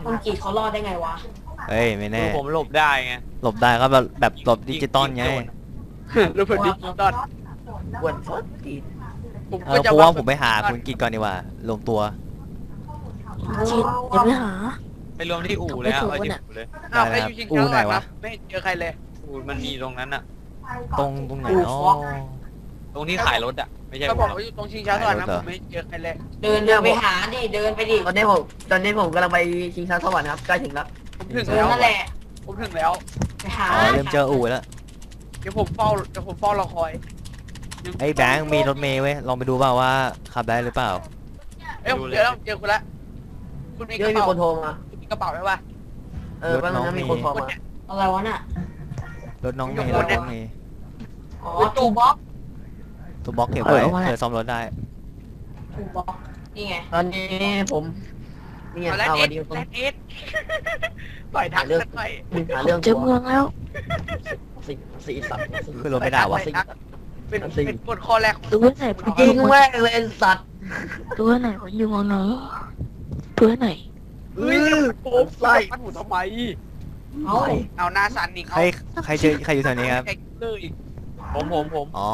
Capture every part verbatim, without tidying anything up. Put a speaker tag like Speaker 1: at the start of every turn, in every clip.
Speaker 1: คุณกีเขารอดได้ไงวะ
Speaker 2: เฮ้ยไม่แน่
Speaker 3: ผมหลบได้ไง
Speaker 2: หลบได้ก็แบบแบบหลบดิจิตอลไง
Speaker 3: หลบแบบดิจิตอล
Speaker 4: ปวดฟัดตีน
Speaker 3: ผม
Speaker 2: เอ
Speaker 3: ก็
Speaker 2: อ
Speaker 3: จะ
Speaker 2: เพราะว่าผมไปหาคุณกิจก่อนดีกว่าลงตัว
Speaker 5: จิตอย่าไปหา
Speaker 3: ไปรวมที่อู่เลยฮะ
Speaker 5: ไม่
Speaker 3: ไป
Speaker 5: ถูก
Speaker 3: ที่
Speaker 5: น่ะ
Speaker 3: อู่เลย
Speaker 2: ได้
Speaker 3: อ้าว
Speaker 2: แล้ว
Speaker 3: ไปอยู่ชิง
Speaker 2: อู่
Speaker 3: ช้า
Speaker 2: ไหน
Speaker 3: ก่อนคว
Speaker 2: ะ
Speaker 3: รับไม่เห็นเจอใครเลยอู่มันมีตรงนั้นอะ
Speaker 2: ตรงตรงไหนอ๋อ
Speaker 3: ตรงที่ขายรถอะไม่ใช่
Speaker 4: ก็
Speaker 3: ผม
Speaker 4: บอก
Speaker 3: หรอก
Speaker 4: ว่าอยู่ตรงชิงช้าสวรรค์นะ
Speaker 2: ไหนรถเหร
Speaker 4: ผ
Speaker 2: อ
Speaker 4: มไม่เจอใครเลย
Speaker 1: เดินเดินไปหาดิเดินไปดิ
Speaker 4: ตอนนี้ผมตอนนี้ผมกำลังไปชิงช้าสวรรค์ครับใกล้ถึงแล้ว
Speaker 3: ผมถึง
Speaker 1: เดิน
Speaker 3: แล้ว
Speaker 1: นั่นแหละ
Speaker 3: ผมถึงแล้ว
Speaker 1: ไปหา
Speaker 2: อ๋อเริ่มเจออู่แล้ว
Speaker 3: เดี๋ยวผมเฝ้าเดี๋ยวผมเฝ้ารอคอย
Speaker 2: ไอ้แบงค์มีรถเมย์เว้ยลองไปดูเปล่าว่าขับได้หรือเปล่า
Speaker 3: เอ้ยผมเจอแล้วเจอคุณละคุณมีก
Speaker 4: เดี๋ยว
Speaker 3: ระ
Speaker 4: มี
Speaker 3: เป๋า
Speaker 4: คนโทรมา
Speaker 3: คุณมีกระเป๋าไหมวะ
Speaker 4: เออแป๊บนึงนะมีคนโทรมา
Speaker 1: อะไรวะน่ะ
Speaker 2: รถน้องเมย์รถน้องเมย์
Speaker 1: อ๋อตูบ็อก
Speaker 2: ตัวบล็อกเก็บไว้เผื่อซ่อมรถได้
Speaker 1: ตูบ็อกนี่ไง
Speaker 4: ตอนนี้ผมเนี่ย
Speaker 3: เอาแลน
Speaker 4: เอา
Speaker 3: เอ
Speaker 4: วั
Speaker 3: ส
Speaker 4: นนี้ผม
Speaker 3: แลนเอสต่อยทักสักหน่อย
Speaker 4: หาเรื่อง
Speaker 5: เจอเมืองแล้ว
Speaker 4: สี่สี่สัตว์สี่
Speaker 2: คือรถไม่ได้วะ
Speaker 4: สี่
Speaker 3: เป็นเป็นกฎข้อแรกของ
Speaker 5: ดูไว้ไหนผม
Speaker 4: จริงแม่งเลยสัตว์
Speaker 5: ดูไว้ไหนผมอยู่เมืองไหนดูไว้ไหน
Speaker 3: เฮ้ยโป๊ะใส่มันหมูทำไม
Speaker 1: เอ้า
Speaker 3: เอาหน้าสันอีก
Speaker 2: ใครใครเจอใครอยู่แถวนี้ครับ
Speaker 3: เลยอีกผมผมผม
Speaker 2: อ๋อ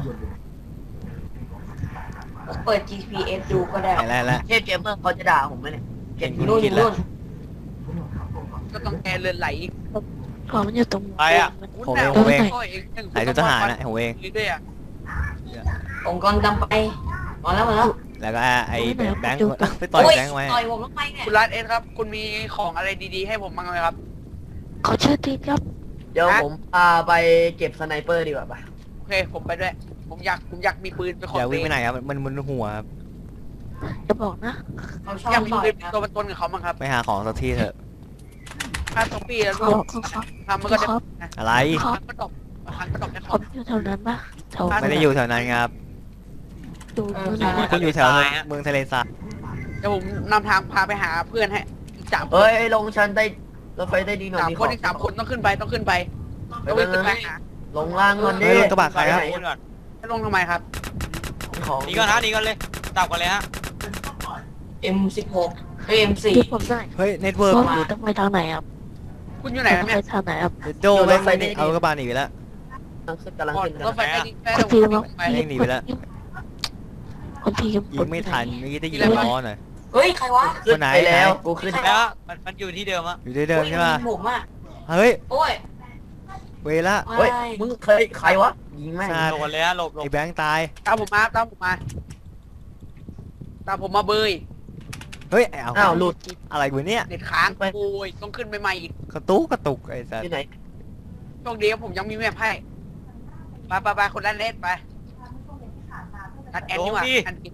Speaker 1: เปิด จี พี เอส ดูก็ได้
Speaker 2: ไหนแล้วแล้ว
Speaker 4: เทพเกมเมอร์เขาจะด่าผมไหมเนี่ยเก่ง
Speaker 1: นู่น
Speaker 2: คิดแล้ว
Speaker 1: นู่น
Speaker 3: ก็ต้องแกเลือนไหลอีก
Speaker 5: ก่อนมันอยู่ตรง
Speaker 3: ไปอ่ะ
Speaker 2: ผมเองผมเอง
Speaker 3: ไห
Speaker 2: ไหนตัวทหารนะผมเอง
Speaker 3: ด้วยอ่ะ
Speaker 1: ผมกำลังดำไปมาแล้วมาแล้ว
Speaker 2: แล้วก็ไอ้แบงค์ไปต่อยแบงค์ไว้
Speaker 1: ต่อยผมลงไปเนี่ย
Speaker 3: คุณรัตเอสครับ คุณมีของอะไรดีๆให้ผมบ้างไหมครับ
Speaker 5: เขาชื่อตีครับ
Speaker 4: เดี๋ยวผมพาไปเก็บสไนเปอร์ดีกว่าปะ
Speaker 3: โอเค ผมไปด้วย ผมอยากผมอยากมีปืนเป็นของ
Speaker 2: อย่าวิ่งไป
Speaker 3: ตัว
Speaker 2: ไหน
Speaker 3: เอง
Speaker 2: ครับมันมันหัวครับ
Speaker 5: จะบอกนะ
Speaker 1: เขาชอบ
Speaker 3: อยากมี
Speaker 1: ต่อย
Speaker 3: ปืนเป็น
Speaker 1: นะ
Speaker 3: ตัวเป็นตนกับเขาบ้างครับ
Speaker 2: ไปหาของสักทีเถอะ
Speaker 3: ถ้าสองปีแล้ว
Speaker 5: เขา
Speaker 3: ลูก
Speaker 5: เขาเขา
Speaker 3: ทำมันก็จะ
Speaker 5: ครับ
Speaker 2: อะไร
Speaker 3: ครั้งก็ตกครั้งก็ตกในข
Speaker 5: ผ
Speaker 3: อง
Speaker 5: มอยู่แถวนั้นปะแถว
Speaker 2: ไม่ได้อยู่แถวนั้นครับ
Speaker 5: ดูเมืองไหนนะ
Speaker 2: คุณอยู่แถวเมืองทะเลทราย
Speaker 3: เดี๋ยวผมนำทางพาไปหาเพื่อนให้อีกสามคน
Speaker 4: เฮ้ยลงชั้นใต้รถไฟใต้ดินหน่อย
Speaker 3: สาม
Speaker 4: มี
Speaker 3: ค
Speaker 4: ขอน ง
Speaker 3: อีกสามคนต้องขึ้นไปต้องขึ้นไปต้องวิ่งขึ้นไปหา
Speaker 4: ลงล่างก่อนดิ
Speaker 2: เฮ้ยรถกระบะใครครับ
Speaker 3: ให้ลงทำไมครับ
Speaker 4: ของ
Speaker 3: นี่ก่อนฮะนี่ก่อนเลยดับก่อนเลยฮะ
Speaker 1: เอ็มสิบหกเอ็มสี่
Speaker 5: ที่ผมได้
Speaker 2: เฮ้ยเน็ตเวิร์ก
Speaker 5: ว่าต้องไปทางไหนครับ
Speaker 3: คุณอยู่ไหน
Speaker 5: ต้
Speaker 3: ค
Speaker 5: อ
Speaker 3: รับ
Speaker 5: ง
Speaker 3: เนี่
Speaker 5: ไป
Speaker 3: ย
Speaker 5: ทางไหนครับ
Speaker 2: โดแม่งไม่เอากระบะหนีไปแล้ว
Speaker 4: กำลังขึ้นกำลัง
Speaker 3: รถ
Speaker 4: ขึ้น
Speaker 3: ไฟใต้ดินแม่
Speaker 5: คนที
Speaker 3: ผม
Speaker 5: ครับ
Speaker 3: ไป
Speaker 2: เร่งหนีไปแล้ว
Speaker 5: คนทีกับ
Speaker 2: ยิงไม่ทันเมื่อกี้ได้ยิงล้อหน่อย
Speaker 1: เฮ้ยใครวะ
Speaker 4: ขึ้นไปแล้วกูขึ้น
Speaker 3: แล้วมันมันอยู่ที่เดิมอะ
Speaker 2: อยู่ที่เดิมใช่ป่ะ
Speaker 1: ผมอ่ะ
Speaker 2: เฮ้ย
Speaker 1: โอ้ย
Speaker 2: เวละ
Speaker 4: เฮ้ยมึงเคยใครวะยิงแม่ง
Speaker 2: ซาด
Speaker 3: หลบก่อนเลยฮะหลบหลบ
Speaker 2: ไอ้แบงค์ตาย
Speaker 3: ตามผมมาตามผมมาตามผมมาเบย
Speaker 2: เฮ้ยเอา
Speaker 4: อ้าวหลุด
Speaker 2: อะไรกูเนี่ย
Speaker 3: เด็ดค้าง
Speaker 4: ไป
Speaker 3: โอ้ยต้องขึ้นไปใหม่อีก
Speaker 2: กระตุกกระตุกไอ้สัส
Speaker 4: ที่ไหน
Speaker 3: โชคดีครับผมยังมีแมพให้ไปไปไปคนละเล่นไปนัดแอนนี่หว่าอันนี้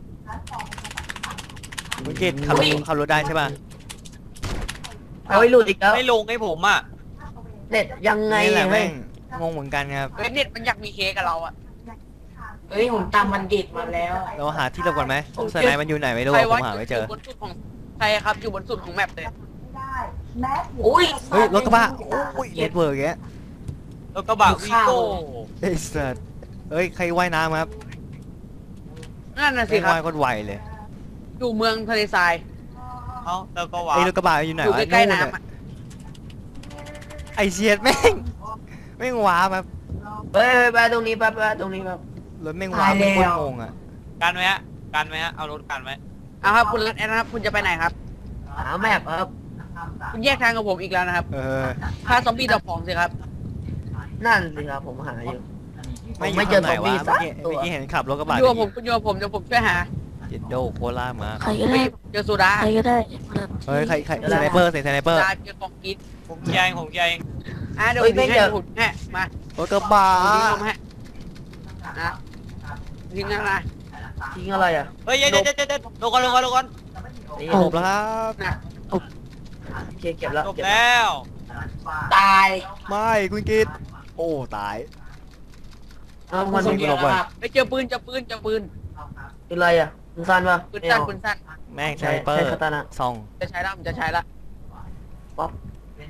Speaker 2: คุณกิจขับรถขับรถได้ใช่ป่ะ
Speaker 4: เอาไอ้หลุดอีกแล้ว
Speaker 3: ไม่ลงให้ผมอ่ะ
Speaker 4: เน็ตยังไง
Speaker 2: นี่แหละ
Speaker 4: แม่
Speaker 2: แม่
Speaker 4: ง
Speaker 2: งงงเหมือนกันครับ
Speaker 3: เฮ้ยเน็ตมันอยากมีเคกับเราอ่ะ
Speaker 1: เฮ้ยผมตามบัณฑิตมาแล้ว
Speaker 2: เราหาที่หลบก่อนไหมสไนมันอยู่ไหนไม่รู้
Speaker 3: ใคร
Speaker 2: อะผ
Speaker 3: วะ
Speaker 2: มหาไม่เจอ
Speaker 3: ยู่บนสุดของใครครับอยู่บนสุดของแมปเลย
Speaker 1: อุ้ย
Speaker 2: เฮ้ยรถกระบะโอ้ยเน็ตเวิร์กแก
Speaker 3: แล้วก็บะวีโก้
Speaker 2: ไอ้สัสเฮ้ยใครว่ายน้ำครับ
Speaker 3: นั่นน่ะสิ
Speaker 2: ไม่
Speaker 3: ครับ
Speaker 2: ว่ายก็ไวเลย
Speaker 3: อยู่เมืองทะเลทรายเขาแล้วก็ว้า
Speaker 2: ไอ้รถกระบะอยู่ไหน
Speaker 3: อยู่
Speaker 2: วะ
Speaker 3: ใกล้ๆ
Speaker 2: นู่น
Speaker 3: น้ำ
Speaker 2: อะ
Speaker 3: อะ
Speaker 2: ไอ้เชียดแม่งแม่งว้าครับ
Speaker 4: เฮ้ยไปตรงนี้ไปไปตรงนี้ครับ
Speaker 2: รถแม่งว้าไม่โคตรงงอ่ะ
Speaker 3: กันไว้ฮะกันไว้ฮะเอารถกันไว้เอาครับคุณรัตแอนนะครับคุณจะไปไหนครับ
Speaker 4: หาแมพครับ
Speaker 3: คุณแยกทางกับผมอีกแล้วนะครับ
Speaker 2: เออ
Speaker 3: ถ้าซอมบี้ดับของสิครับ
Speaker 4: นั่นสิครับผมหาอยู่
Speaker 2: ไม่
Speaker 4: ไม่เจอซอมบี้
Speaker 2: เมื่
Speaker 4: สั
Speaker 2: อก กี้
Speaker 4: ตัว
Speaker 2: เมื่อกี้เห็นขับรถกระบะ
Speaker 3: คุณอยู่กับผมคุณอยู่กับผมเดี๋ยวผมช่วยหา
Speaker 2: เจ็ดโดโคล่ามา
Speaker 5: ใครก็
Speaker 3: ไม่
Speaker 5: ได้
Speaker 3: เจอโซดา
Speaker 5: ใครก็ได้
Speaker 2: เฮ้ยใครใครสไนเปอร์ใส่สไนเปอร์
Speaker 3: โซดาเจอของกินผมแยงผมแยงอ่ะเดี๋ยวผ
Speaker 4: เฮ้ย
Speaker 3: ม
Speaker 4: ไม่
Speaker 3: ให้
Speaker 4: เจอ
Speaker 3: ผมให้มาร
Speaker 2: ถกระบะ
Speaker 3: ผมทิ้งลงให้นะทิ้งนั่นนะ
Speaker 4: ทิ้งอะไรอ่ะ
Speaker 3: เฮ้ยเดี๋ยวเดี๋ยวเดี๋ยวเดี๋ยวลงก่อนลงก่อนลงก่อน
Speaker 4: นี่
Speaker 2: จบแล้วครับ
Speaker 3: นะ
Speaker 4: โอเคเก็บแล้ว
Speaker 3: จบ
Speaker 4: เก็บ
Speaker 3: แล้ว
Speaker 1: ตาย
Speaker 2: ไม่คุณกิตโอ้ตาย
Speaker 4: เอามัน
Speaker 2: ส่
Speaker 4: มี
Speaker 2: ง หลบก่อน
Speaker 3: ไปเจอปืนเจอปืนเจอปืน
Speaker 4: เป็นไรอ่ะคุณซันปะ
Speaker 3: ปืน
Speaker 4: ไม่
Speaker 3: สั้น
Speaker 4: เอา
Speaker 3: ปืนสั้น
Speaker 2: แม่งส
Speaker 4: ใช่
Speaker 2: ไนเปอ
Speaker 4: ใช่
Speaker 2: ร์
Speaker 4: คาตานะ
Speaker 2: ซอง
Speaker 3: จะใช้ละผมจะใช้ละ
Speaker 4: ป๊อป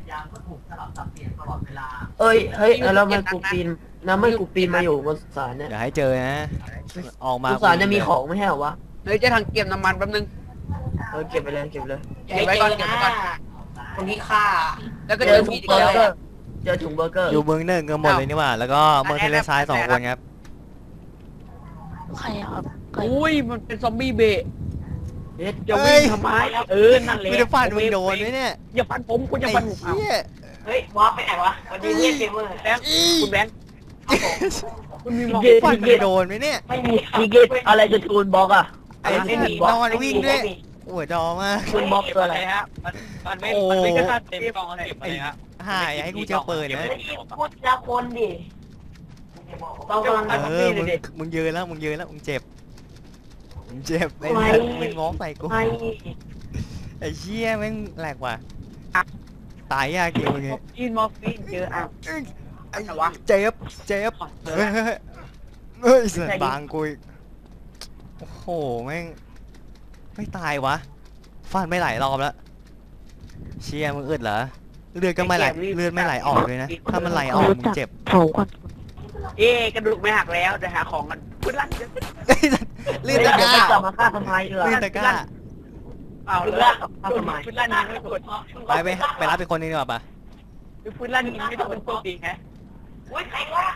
Speaker 4: เอ้ยเฮ้ยแล้วมันกูปีนน้ำไม่กูปีนมาอยู่บนสุสานเนี่ย
Speaker 2: อย่าให้เจอนะออกมา
Speaker 4: สุสานจะมีของไม่ใช่เหรอวะ
Speaker 3: เฮ้ยจะทางเก็บน้ำมันแป๊บนึง
Speaker 4: เออเก็บไปเลยเก็บไปเลย
Speaker 1: อย่าให้เจอนะคนที่ฆ่า
Speaker 3: แล้วก็
Speaker 4: เจ
Speaker 3: เจ
Speaker 4: อ
Speaker 3: อ
Speaker 4: ถุ
Speaker 3: มี
Speaker 4: ง
Speaker 3: ดอีก
Speaker 4: เบอ
Speaker 3: แล้ว
Speaker 4: ร์เกอร์เจอถุงเบอร์เกอร์
Speaker 2: อยู่เมืองหนึ่งกันหมดเลยนี่หว่า แล้วก็เมืองทะเลทรายสองคนครับ
Speaker 5: ใครอะครับใคร
Speaker 3: อุ้ยมันเป็นซอมบี้เบะ
Speaker 4: เอ๊ะ
Speaker 3: จะวิ่งทำไมเออนั่นแหละ
Speaker 2: ไม่ได้ฟันมึงโดนไหมเนี่ย
Speaker 3: อย่าฟันผมคุณอย่า
Speaker 2: ไอ้
Speaker 3: ฟันผมเอา
Speaker 2: เหี้ย
Speaker 1: เฮ้ยบอสไปไหนวะวันนี้เรียกเกมเมอร์
Speaker 3: แบงค์คุณแบงค์คุณมีมอง
Speaker 2: ฟันมึงโดนไหมเนี่ย
Speaker 1: ไม่มี
Speaker 4: มีเกตอะไรจะทูนบล็อกอะ
Speaker 2: ไอ้
Speaker 4: ไม่
Speaker 2: ที่
Speaker 4: มีบล็อก
Speaker 2: นอนวิ่งด้วยหัวดอมาก
Speaker 4: ทูนบล็อกตัวอะไร
Speaker 3: ฮะมันมันไม่
Speaker 2: โอ้
Speaker 3: มันไม่กระทั่งเต็มกล่องอะไรอะไรฮะ
Speaker 2: หายให้กูเจอปืนนะ
Speaker 1: พูดละคนดิเรากำลัง
Speaker 2: เออมึงมึงยืนแล้วมึงยืนแล้วมึงเจ็บมึงเจ็บไอ้สัตว์มึงง้อใส่กู
Speaker 1: ไป
Speaker 2: ไอ้เชี่ยแม่งแหลกว่ะตายยากจริงมึง
Speaker 3: มอร์ฟีนมอร์ฟีนเจออ่ะ
Speaker 2: ไอ้
Speaker 3: อะไรวะ
Speaker 2: เจ็บเจ็บเฮ้ยเฮ้ยเฮ้ยเสือบางกูอีกโอ้โหแม่งไม่ตายวะฟันไม่ไหลรอบแล้วเชี่ยมึงอึดเหรอเลือดก็ไม่ไหลเลือดไม่ไหลออกเลยนะถ้ามันไหลออกมึงเจ็บ
Speaker 5: เผาก่อน
Speaker 3: เอ๊กระดูกไม่หักแล้วเดี๋ยวหาของกันพื้นลั่น
Speaker 2: เลือดตะก
Speaker 4: เดี๋ยว
Speaker 2: ร้า
Speaker 4: ไปกลับมาฆ่าทำไมเหรอ
Speaker 2: เลือดตะกร้า
Speaker 3: เอา
Speaker 4: พื้น
Speaker 3: เล
Speaker 4: ลั่
Speaker 3: ย
Speaker 4: นทำไม
Speaker 3: พื้นลั่นยิงไม่โดน
Speaker 2: ไปไปไปรับไปคนนึงดีกว่าปะ
Speaker 3: พื้นลั่นยิงไม่โดนโชคดีแฮะ
Speaker 1: โอ้ยใครวะ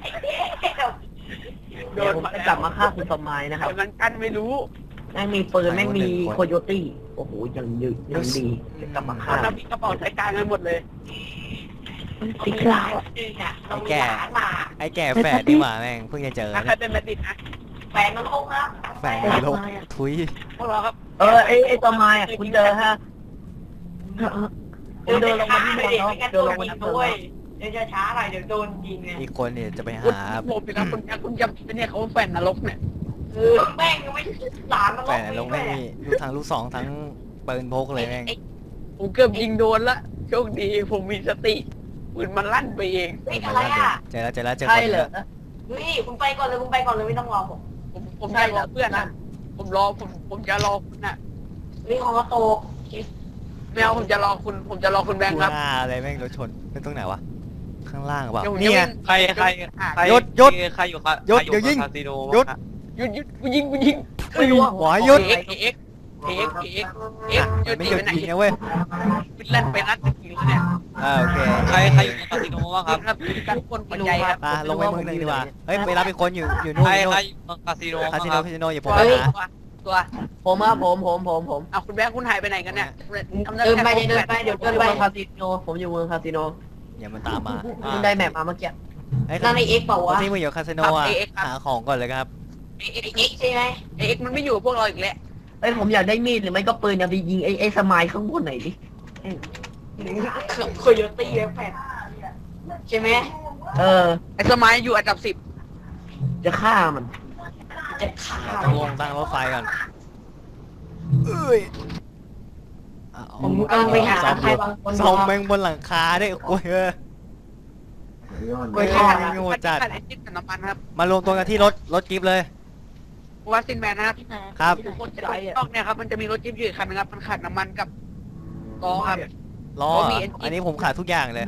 Speaker 3: โด
Speaker 4: เดี๋ยวน ผม
Speaker 3: มา
Speaker 4: จะกลับมาฆ่าคุณทำไมนะครับ
Speaker 3: แต่มันกันไม่รู้
Speaker 4: แม่งมีปืนแม่งมีโคโยตี้โอ้โหยังยืดยังดีจะกลับมา
Speaker 3: ตอ
Speaker 4: ฆ่าน
Speaker 3: นั้นมีกระเป๋าใช้การกันหมดเลย
Speaker 5: มันติดลาวอะ
Speaker 2: ไอ้แก่ไอ้แก่แฝดนี่หว่าแม่งเพิ่งจะเจอ
Speaker 3: ถ้าใคร
Speaker 2: เนี่ย
Speaker 3: เป็นแมดดิดนะ
Speaker 1: แฟนมันคงนะ
Speaker 2: แฝดในโลกทุย
Speaker 3: พวกเราครับ
Speaker 4: เออไอ้ไอ้ตัวไม้อะคุณเจอฮะ
Speaker 5: เออเออ
Speaker 4: คุณเดินลงมาที่เมืองเนาะเดินลงมาที่เมือง
Speaker 1: ด้วย
Speaker 4: เนาะ
Speaker 1: เดี๋ยวจะช้าหน่อยเดี๋ยวโดนยิงไง
Speaker 2: อีกคนเนี่ยจะไป
Speaker 3: คุณ
Speaker 2: หา
Speaker 3: ผมเป็นนะคุณคุณจำเป็นเนี่ยเขาแฟนนรกเนี่ย
Speaker 1: คือแม่งยังไม่หลานมัน
Speaker 2: แฝดในโลกไม่มีลูกทางลูกสองทั้งปืนพกเลยแม่ง
Speaker 3: ผมเกือบยิงโดนละโชคดีผมมีสติปืนมันลั่นไปเอง
Speaker 1: เฮ้ยอะไรอ่ะ
Speaker 2: เจอแล้วเจอแล้วเจอค
Speaker 4: ใช่
Speaker 2: น
Speaker 4: เหร
Speaker 2: แล้
Speaker 4: อ
Speaker 2: ว
Speaker 1: เฮ้ยคุณไปก่อนเลยคุณไปก่อนเลยไม่ต้องรอผม
Speaker 3: ผมผมจะรอเพื่อนนะผมรอผมผมจะรอคุณน่ะ
Speaker 1: เฮ้ยของกระโตก
Speaker 3: ไม่เอาผมจะรอคุณผมจะรอคุณแบงค์ครับ
Speaker 2: ว่าอะไรแม่งรถชนเป็นตรงไหนวะข้างล่างหรือเปล่า
Speaker 3: เดี๋ยวผม
Speaker 2: นี่
Speaker 3: จะ
Speaker 2: ไง
Speaker 3: วิ่ง
Speaker 6: ใครใครใคร
Speaker 2: หยุดหยุด
Speaker 6: ใครอยู่ครับ
Speaker 2: หยุด
Speaker 6: ใคร
Speaker 2: เดี๋ยวยิง
Speaker 6: คาสิโน
Speaker 2: หยุด
Speaker 6: บ้างฮะ
Speaker 3: หยุดหยุดกูยิงกูยิง
Speaker 1: ไม่รู้
Speaker 2: หัวหยุด
Speaker 3: เอ็กเอ็กเอ็กเอ็กเอ็กหยุด
Speaker 2: ไม่
Speaker 3: ตี
Speaker 2: หยุด
Speaker 3: ไปไหน
Speaker 2: ยิงนะเว้ย
Speaker 3: เป็นลั่นไปนัดตะกี้แล้วเนี่ย
Speaker 2: อ่าโอเค
Speaker 6: ใครใครอยู่คาสิโนบ้างครับ
Speaker 3: ครับทุกคนหัวใจครับ
Speaker 2: อ่ะลงไปเมืองหนึ่งดีกว่าเฮ้ยไปรับอีกคนอยู่อยู่นู่น
Speaker 6: ใคร
Speaker 2: อยู่
Speaker 6: ใคร
Speaker 2: นู่น
Speaker 6: อยู่คาสิโน
Speaker 2: คา
Speaker 6: บ้าง
Speaker 2: สิ
Speaker 6: ค
Speaker 2: โน
Speaker 6: รับ
Speaker 2: คาสิโนอย่าผม
Speaker 3: เฮ้
Speaker 2: ไป
Speaker 3: ย
Speaker 2: หา
Speaker 3: ตัว
Speaker 4: ผมครับผมผมผมผม
Speaker 3: เอาคุณแบงค์คุณหายไปไหนกันเนี่ยทำ
Speaker 1: เดินไปเดินไปเดี๋ยว
Speaker 4: ผม
Speaker 1: เดิ
Speaker 4: อน ยู่
Speaker 1: ไป
Speaker 4: เมืองคาสิโนผมอยู่เมืองคาสิโน
Speaker 2: อย่ามันตามมา
Speaker 4: เพิ่งได้แมปมาเมื่อกี้
Speaker 2: ไอ้ย
Speaker 1: นั่นในเอ็กเปล่า
Speaker 2: คน
Speaker 1: วะ
Speaker 2: ที่มึงอยู่คาสิโนอ่ะหาของก่อนเลยครับ
Speaker 3: เอ็ก
Speaker 1: เอ็กใช่ไหม
Speaker 3: เอ็กมันไม่อยู่กับพวกเราอีกแล้ว
Speaker 4: เอ้ยผมอยากได้มีดหรือไม่ก็ปืนเนี่ยไปยิงไอ้ไอ้สมายข้างบนหน่อยดิ
Speaker 1: โคโยตี้แฟนใช่ไหม
Speaker 4: เออ
Speaker 3: ไอ้สมัยอยู่อันดับสิบ
Speaker 4: จะฆ่ามัน
Speaker 1: จะฆ่า
Speaker 2: ต้องลงตั้งรถไฟก่อนเอ้ยอ่ะเอา
Speaker 1: ผมกำลังไปหา
Speaker 2: ซ่อม
Speaker 1: ใคร
Speaker 2: รถ
Speaker 1: บางคน
Speaker 2: ซ่อมแม่งบนหลังคาด้วยโอ้ยเออ
Speaker 1: โอ้ยฆ่า
Speaker 2: โง่จัด
Speaker 3: ไอ้จิ๊บกับน้ำมันครับ
Speaker 2: มารวมตัวกันที่รถรถกิฟต์เลย
Speaker 3: วัดซินแมนนะครับ
Speaker 5: ที่ไหน
Speaker 2: ครับ
Speaker 5: ที่ไหน
Speaker 3: คนจะต้องเนี่ยครับมันจะมีรถจิ๊บอยู่อีกคันนึงครับมันขาดน้ำมันกับล้อครับ
Speaker 2: ล้อ
Speaker 3: เขามี
Speaker 2: อ่ะ
Speaker 3: engine
Speaker 2: อันนี้ผมขาดทุกอย่างเลย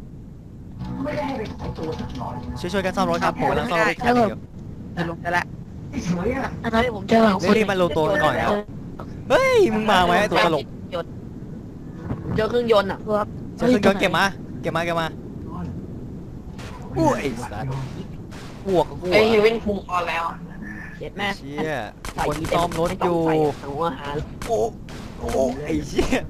Speaker 2: ช่วยๆกันซ่อมรถครับผมกำลังซ่อมรถอีกคันหนึ่งอยู่
Speaker 3: จะลงแต่ละ
Speaker 5: อันนั้นผมเจอหลัง
Speaker 2: รีบๆมารวมตัวกันก่อนครับ เฮ้ยมึงมาไหมไอ้ตัวตลก
Speaker 4: เจอเครื่องยนต์อ่ะ
Speaker 5: ครับ
Speaker 2: เจะขึ้นยนต์เก็บมาเก็บมาเก็บมาอู้ไอ้สัสพวกกับกู
Speaker 1: เอ้ยเฮเว่นฟูออนแล้ว
Speaker 4: เจ็ดแม่
Speaker 2: เชี่ยคนซ่อมรถอยู่
Speaker 4: หัวหา
Speaker 2: โอ้โอ้ไอ้เชี่ย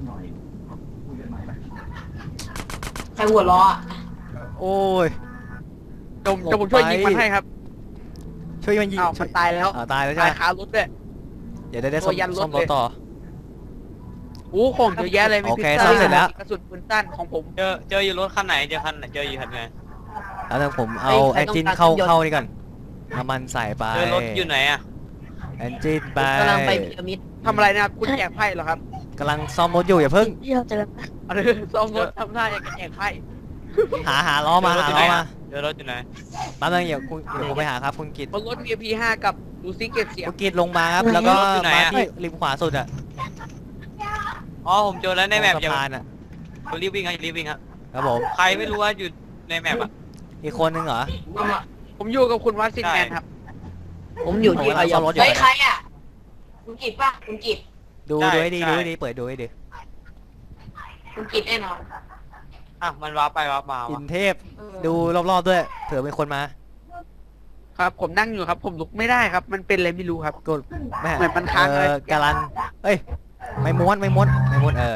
Speaker 1: ใครหัวล้ออ่ะ
Speaker 2: โอ้ย
Speaker 3: จมจะผมช่วยยิงมันให้ครับ
Speaker 2: ช่วยมันยิง
Speaker 3: อ้าว
Speaker 2: ช่
Speaker 3: มั
Speaker 2: วย
Speaker 3: นตายแล้ว
Speaker 2: อ่าตายแล้วใช่
Speaker 3: ตา
Speaker 2: ไห
Speaker 3: ย
Speaker 2: ม
Speaker 3: คารถด้วย
Speaker 2: เดี๋ยวได้ได้ซ่อม
Speaker 3: ตัวยันรถ
Speaker 2: ซ่อมรถ
Speaker 3: เลย
Speaker 2: ต่อ
Speaker 3: โอ้ของเยอะแยะเลยมี
Speaker 2: โอ
Speaker 3: พิ
Speaker 2: เค
Speaker 3: ซซ่า
Speaker 2: ซ่อมเสร็จแล้ว
Speaker 3: กระสุนปืนสั้นของผม
Speaker 6: เจอเจออยู่รถคันไหนเจอคันไหนเจออยู่คันไหน
Speaker 2: แล้วเดี๋ยวผมเอาแอนจินเข้าเข้านี่ก่อนน้ำมันใส่ไป
Speaker 6: เจอรถอยู่ไหนอ่ะ
Speaker 2: แอนจินไป
Speaker 4: กำลังไปพีระมิด
Speaker 3: ทำอะไรนะครับคุณแจกไพ่เหรอครับ
Speaker 2: กำลังซ่อมรถอยู่อย่าเพิ่ง
Speaker 5: ที่เราเจอกัน
Speaker 3: เออซ้อมรถทำท่าอย่างกับแจกไพ่
Speaker 2: หาหาล้อมาหาล้อมา
Speaker 6: เจอรถอยู่ไหน
Speaker 2: แป๊บนึงเดี๋ยวคุณเดี๋ยวผมไปหาครับคุณกิต
Speaker 3: บนรถมี พี ห้า กับดูซิเก็บเสียง
Speaker 2: คุณกิตลงมาครับแล้วก็มาที่ริมขวาสุดอะ
Speaker 6: อ๋อผมเจอแล้วในแมป
Speaker 2: ตรง
Speaker 6: อย่า
Speaker 2: สะพานอะ
Speaker 6: รีบวิ่งครับรีบวิ่งครับ
Speaker 2: ครับผม
Speaker 6: ใครไม่รู้ว่าอยู่ในแมปอ่ะ
Speaker 2: อีกคนนึงเหรอ
Speaker 3: ผมอยู่กับคุณวัดซินแมนครับ
Speaker 4: ผมอยู่ที่
Speaker 2: ผมกำลั
Speaker 4: อาง ย
Speaker 2: ซ่
Speaker 4: อ
Speaker 2: อม
Speaker 4: ม
Speaker 2: รถอยู่
Speaker 1: เฮ้ยใครอ่ะคุณกิตป่ะคุณกิต
Speaker 2: ดูดูให้ดีดูให้ดีเปิดดูให้ดี
Speaker 1: คุณกินแน่นอน
Speaker 6: อ่ะมันว้าไปว้ามา
Speaker 2: อิ
Speaker 6: วะ
Speaker 2: นเทพดูรอบๆด้วยเผื่อเป็นคนมา
Speaker 3: ครับ ผมนั่งอยู่ครับ ผมลุกไม่ได้ครับ มันเป็นอะไรไม่รู้ครับ
Speaker 2: กดแม่
Speaker 3: เหมือนมันค้าง
Speaker 2: เอ
Speaker 3: เลย
Speaker 2: อการันเอ้ยไม่ม้วนไม่ม้วนไม่ม้วนเออ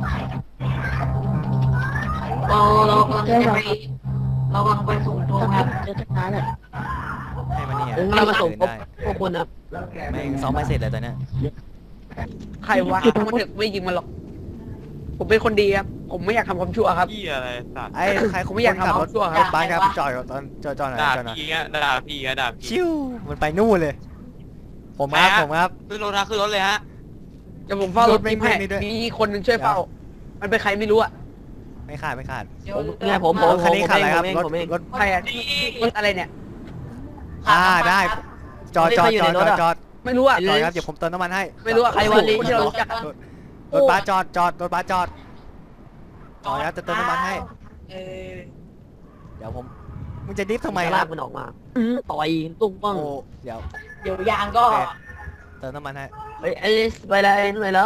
Speaker 1: เราเรากำลังจะไปเรากำลังไปส่งตรงครับ
Speaker 5: เจอตั้งนานแล้ว
Speaker 2: ให้มันเนี่ย
Speaker 4: ถึงเรามาส่งพ
Speaker 2: ได้
Speaker 4: บพวกคุณครับ
Speaker 2: แม่งซ้อมไม่เสร็จเลยตอนเนี้ย
Speaker 3: ใครวะมันถึงไม่ยิงมันหรอก ผมเป็นคนดีครับ ผมไม่อยากทำความชั่วครับ
Speaker 6: พี่อะไรสัตว์
Speaker 2: ไอ้ใคร
Speaker 3: ผมไม่อยาก
Speaker 2: คนขับ
Speaker 3: ทำ
Speaker 2: รถ
Speaker 3: ชั่วครับ
Speaker 2: รถบัสครับจอดก่อนตอนจอดจอดหน่อย
Speaker 6: ด่า
Speaker 2: จอดหน่อย
Speaker 6: พี่อะด่าพี่อะด่าพี่
Speaker 2: ชิวมันไปนู่นเลย ผมครับ
Speaker 6: ไปฮะ
Speaker 2: ผมครับ
Speaker 6: ขึ้นรถนะขึ้นรถเลยฮะ
Speaker 3: เดี๋ยวผมเฝ้ารถ
Speaker 2: รถไม่
Speaker 3: กิ๊บให้
Speaker 2: ไม่ด้วย
Speaker 3: มีคนหนึ่งช่วยเฝ้า มันเป็นใครไม่รู้อะ
Speaker 2: ไม่ขาดไม่ขาด
Speaker 4: ผมเนี่ยผมผม
Speaker 2: รถคันนี้ขาดอะไรครับ
Speaker 4: ผมเอง
Speaker 2: รถ
Speaker 4: ผมเอง
Speaker 2: รถ
Speaker 3: ใครอะรถอะไรเนี่ย
Speaker 2: อ่าได้จอดจอด
Speaker 4: ไม่
Speaker 2: จอด
Speaker 4: ใครอยู่ในรถ
Speaker 2: จอด
Speaker 4: อะ
Speaker 2: จอด
Speaker 3: ไม่รู้อะ
Speaker 2: จอดครับเดี๋ยวผมเติมน้ำมันให้
Speaker 3: ไม่รู้อะ
Speaker 4: ใครวะลิ
Speaker 3: คนที่เรารู้จักอะ
Speaker 2: รถบัสจอดจอดรถบัสจอดจอดครับจะเติมน้ำมันให้
Speaker 1: เออ
Speaker 2: เดี๋ยวผมมึงจะดิฟทำไม
Speaker 4: จะ
Speaker 2: ค
Speaker 4: ลา
Speaker 2: รั
Speaker 4: ก
Speaker 2: บ
Speaker 4: มันออกมาอื้อต่อยตุ้งป้อง
Speaker 2: โอ้เดี๋ยว
Speaker 1: เดี๋ยวยางก็
Speaker 2: เติมน้ำมันให้
Speaker 4: เฮ้ยไอ้ลิสไปแล้วไอ้นู่นไปแล้ว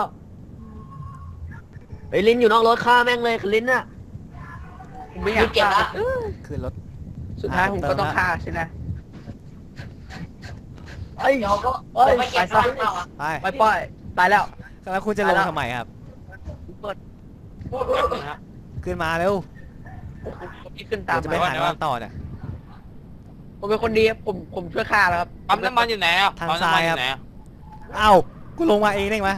Speaker 4: ไอ้ลิ้นอยู่นอกรถฆ่าแม่งเลยลิ้นน่ะ
Speaker 3: ผมไม่อยาก
Speaker 1: เก็บ
Speaker 3: ฆ่า
Speaker 1: ละ
Speaker 2: ขึ้นรถ
Speaker 3: สุดท้ายผมก็ต้องฆ่าใช่ไหม
Speaker 4: ไอ้ย
Speaker 1: เดี๋ยวก็
Speaker 4: เอ้ย
Speaker 1: ไปเก็บ
Speaker 3: ไปซะ
Speaker 1: ตังค์เราอะ
Speaker 2: ไป
Speaker 3: ไปปล่อยตายแล้ว
Speaker 2: แล้วคุณจะลงทำไมครับ
Speaker 3: เปิด
Speaker 6: นะฮะ
Speaker 2: ขึ้นมาเร็ว
Speaker 3: ที่ขึ้นตาม
Speaker 2: เดี๋ยวจะไป
Speaker 3: มา
Speaker 2: หาน้ำมันต่อเนี่ย
Speaker 3: ผมเป็นคนดีครับผมผมช่วยฆ่าแล้วครับ
Speaker 6: ปั๊มน้ำมันอยู่ไหนอ่ะ
Speaker 2: ทาง
Speaker 6: ปั๊ม
Speaker 2: ซ้า
Speaker 6: น้ำมั
Speaker 2: ย
Speaker 6: นอ
Speaker 2: ครับ
Speaker 6: ยู่ไหนอะ
Speaker 2: เอ้ากูลงมาเองได้ไหม